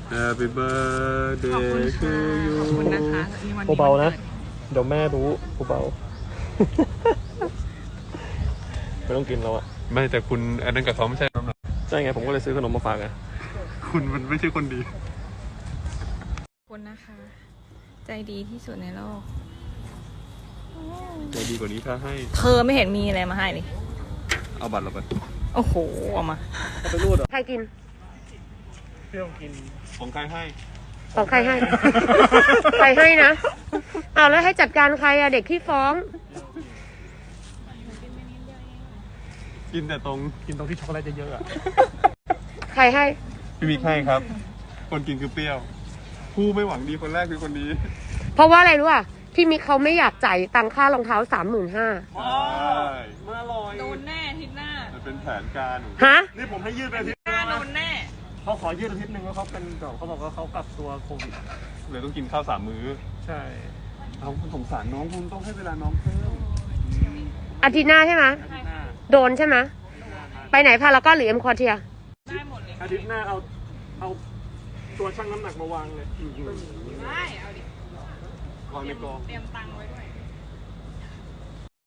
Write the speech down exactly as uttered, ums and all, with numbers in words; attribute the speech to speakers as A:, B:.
A: Happy birthday to you
B: ขอบคุณนะคะ
C: เบาๆนะเดี๋ยวแม่รู้เบาๆไม่ต้องกินแล้วอะ
A: ไม่แต่คุณอันนั้นกับเขาไม่ใช่น้ำหนัก
C: ใช่ไงผมก็เลยซื้อขนมมาฝากไง
A: คุณมันไม่ใช่คนดี
B: ขอบคุณนะคะใจดีที่สุดในโลก
A: ใจดีกว่านี้ถ้าให้
B: เธอไม่เห็นมีอะไรมาให้เลย
A: เอาบัตรเราไป
B: โอ้โหเอามา
C: ไปรูดเหรอ
D: ใครกิน
C: เที่ยวกิน
A: ของใครให้
D: ของใครให้ ใครให้นะเอาแล้วให้จัดการใครอะเด็กที่ฟ้อง
A: กินแต่ตรง
C: กินตรงที่ช็อกโกแลตเยอะๆอะ
D: ใครให้
A: พี่มิกให้ครับคนกินคือเปรี้ยวผู้ไม่หวังดีคนแรกคือคนนี้
D: เพราะว่าอะไรรู้อ่ะพี่มิกเขาไม่อยากจ่ายตังค่ารองเท้าสามหมื่นห้า
A: ใช่
C: มาลอย
B: โดนแน่ทิศหน้า
A: มันเป็นแผนการ
D: ฮะ
C: นี่ผมให้ยืดไปอาทิตย์
B: หน้าโดนแน่
C: เขาขอยืดอาทิตย์หนึ่งแล้วเขาเป็นเดี๋ยวเขาบอกว่าเขากักตัวโควิด
A: เลยต้องกินข้าวสามมื้อ
C: ใช่
A: เอาคุณสงสารน้องคุณต้องให้เวลาน้องเพิ่ม
D: อาทิตย์หน้าใช่ไหมโดนใช่ไหมไปไหนพารากอนหรือเอ็มคอเทีย
B: ได้หมดเลย
C: อาทิตย์หน้าเอาเอาตัวชั่งน้ำหนักมาวางเลย
B: ได้เอาดิ
A: วางในกอง
B: เตรียมตังค์ไว้ด้วย